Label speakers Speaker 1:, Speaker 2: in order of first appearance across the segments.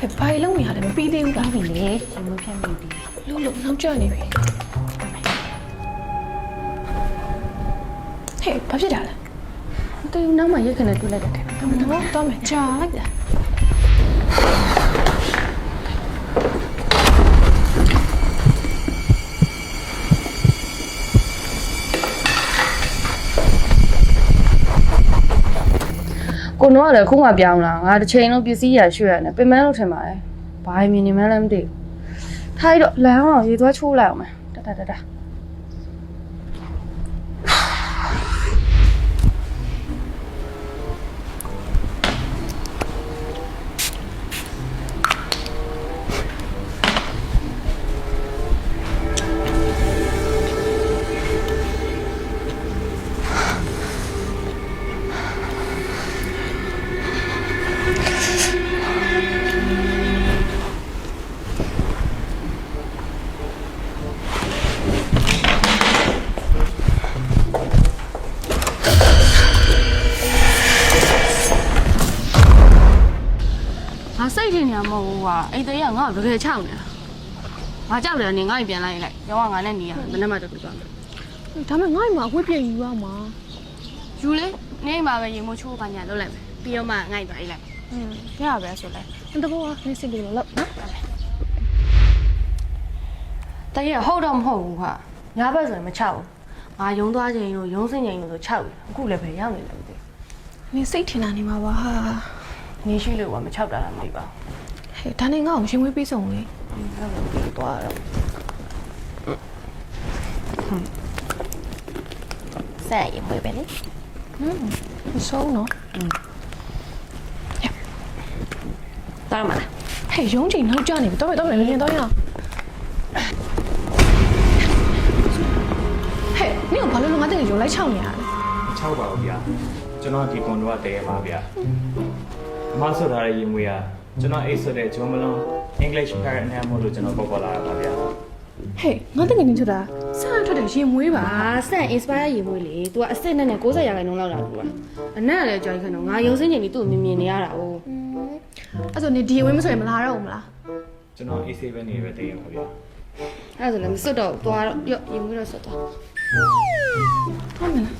Speaker 1: ဘာလုံးနေရတယ်မပြီးသေးဘူးလား
Speaker 2: ပြီလေရှင်မဖြတ်မိပြီ
Speaker 1: လို့နောက်ကျနေပြီဟဲ့ဘာဖြစ်တာလဲ
Speaker 2: တူနောက်မှရက်ခနဲ့တွေ့လိုက်တယ်
Speaker 1: တော့မယ်ကြာလိုက်တာ
Speaker 2: ကိုတော့လည်းခုမှပြောင်းလာငါတစ်ချိန်လုံးပစ္စည်းရရွှေ့ရတယ်ပင်မလို့ထင်ပါတယ်ဘာမြင်နေမှလည်းမသိဘူးထားရတော့လမ်းအောင်ရေသွားချိုးလိုက်အောင်မယ်တငါစိတ်ထင်နေမှာမဟုတ်ဘူးကွာအိမ်သေးကငါ့ကိုတကယ်ချောက်နေတာငါကြောက်တယ်နေငါ့ကိုပြန်လိုက်ရောကငါနဲ့နေရမနေ့မှတူသွားမယ်
Speaker 1: ဒါမဲ့ငါ့မှာဝှက်ပြည့်ယူရမှာ
Speaker 2: ယူလေနေမှာပဲရေမိုးချိုးပါညာလုပ်လိုက်မယ်ပြီးတော့မှငါ့သွားအိတ်လိုက်
Speaker 1: ရပါပဲဆိုလဲတကောနေစစ်လို့လောက်နော်
Speaker 2: တကယ်ဟုတ်တော့မဟုတ်ဘူးကွာညာဘက်ဆိုရင်မချောက်ဘူးငါယုံသွားချိန်လို့ယုံစင်ချိန်လို့ဆိုချောက်တယ်အခုလည်းပဲရောက်နေတယ်မသိ
Speaker 1: နေစိတ်ထင်တာနေမှာပါဟာ
Speaker 2: နေရှိလို့ကမချောက်တာလားမသိပါဘူး
Speaker 1: ဟဲ့ဒါနဲ့ငါ့ကိုရှင်ဝေးပေးဆုံးလေ
Speaker 2: အဲ့လိုပြီးသွားတော့ဆက်ရမွေးပဲလေ
Speaker 1: မဆုံးနော်
Speaker 2: တားမလား
Speaker 1: ဟဲ့ရုံးချိန်နောက်ကျနေပြီတော့လင်းတော့ရအောင်ဟဲ့နင်ကဘာလို့ငါတဲ့ရုံလိုက်ချောင်းနေရလဲ
Speaker 3: 6ပါဘူးဗျာကျွန်တော်ဒီကွန်တော့တည်ရပါဗျာအမဆွထားတဲ့ရေမွေးကကျွန်တော်အိတ်ဆွတဲ့ဂျွန်မလွန် English parent name မို့လို့ကျွန်တော်ပေါ်လာတာပါဗျာ
Speaker 1: ဟဲ့ငါတကယ်နေထွက်တာစားထွက်တယ်ရင်မွေးပါ
Speaker 2: ဆန် inspire ရေမွေးလေ तू ကအစ်စ်နဲ့90ရာခိုင်နှုန်းလောက်လာဘူးကအနက်ကလည်းကြောက်ခဏငါယုံစင်းချိန်ပြီးသူ့ကိုမြင်နေရတာ哦
Speaker 1: အဲ့ဆိုနေဒီဝင်းမဆိုရင်မလာတော့ဘူးမလား
Speaker 3: ကျွန်တော် AC ပဲနေပဲတည်ရပါဗျာ
Speaker 2: အဲ့ဒါဆိုလည်းမစွတ်တော့သွားတော့ရော့ရေမွေးတော့စွတ်သွား
Speaker 1: ဟုတ်မလား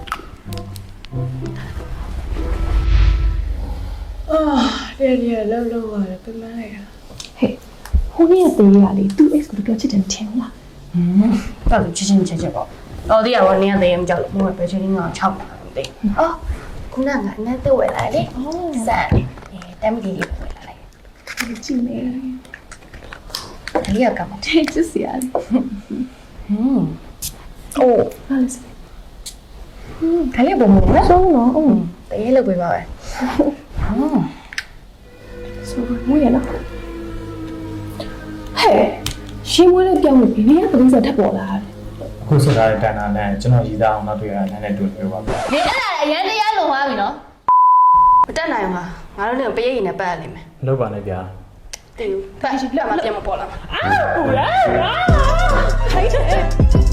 Speaker 4: တဲ့လောက်ရတယ်ပြန်မလိုက်တာ
Speaker 1: ဟဲ့ဟိုနေ့ကသေးရလေသူ့ ex ကိုပြောချစ်တယ်ထင်လား
Speaker 2: တော့သူချင်းချက်ပေါ့တော်သေးရပါနေရသေးရင်မကြောက်လို့ဘယ်ပဲချင်းငါ6တာမသိအော်ခုနကအနက်တက်ဝယ်လာလေဆန်တမ်းကြီးလေးဝယ်လာလိုက်
Speaker 1: ကြည့်နေ
Speaker 2: ဒါလေးကကမ
Speaker 1: တဲ့ချစ်စရာလေ
Speaker 2: အိုး
Speaker 1: ဟာလေ
Speaker 2: ဒါလေးပုံမလို့နော်
Speaker 1: ဆုံးတော့ဟုတ်
Speaker 2: တရေလုပ်ပေးပါပဲ
Speaker 1: ဆိုမွေးရလားဟဲ့ရှင်မွေးလေးပြောင်းလို့ဘယ်နေရာပုံစံထပ်ပေါ်လာလဲ
Speaker 3: အခုဆွထားတဲ့တန်တာနဲ့ကျွန်တော်ရည်သားအောင်နောက်တွေ့ရတဲ့နဲ့တွေ့ပြောပါဗျာ
Speaker 2: ဒီအဲ့ဒါအရန်တရားလုံသွားပြီနော်မတက်နိုင်ပါငါတို့လည်းပရိတ်ရင်နဲ့ပတ်ရလိမ့်မယ်
Speaker 3: လောက်ပါနဲ့ဗျာ
Speaker 2: တူပတ်လက်မပြန်မပေါ်လာ
Speaker 1: အာဟိုလားဟာထိုက်တယ်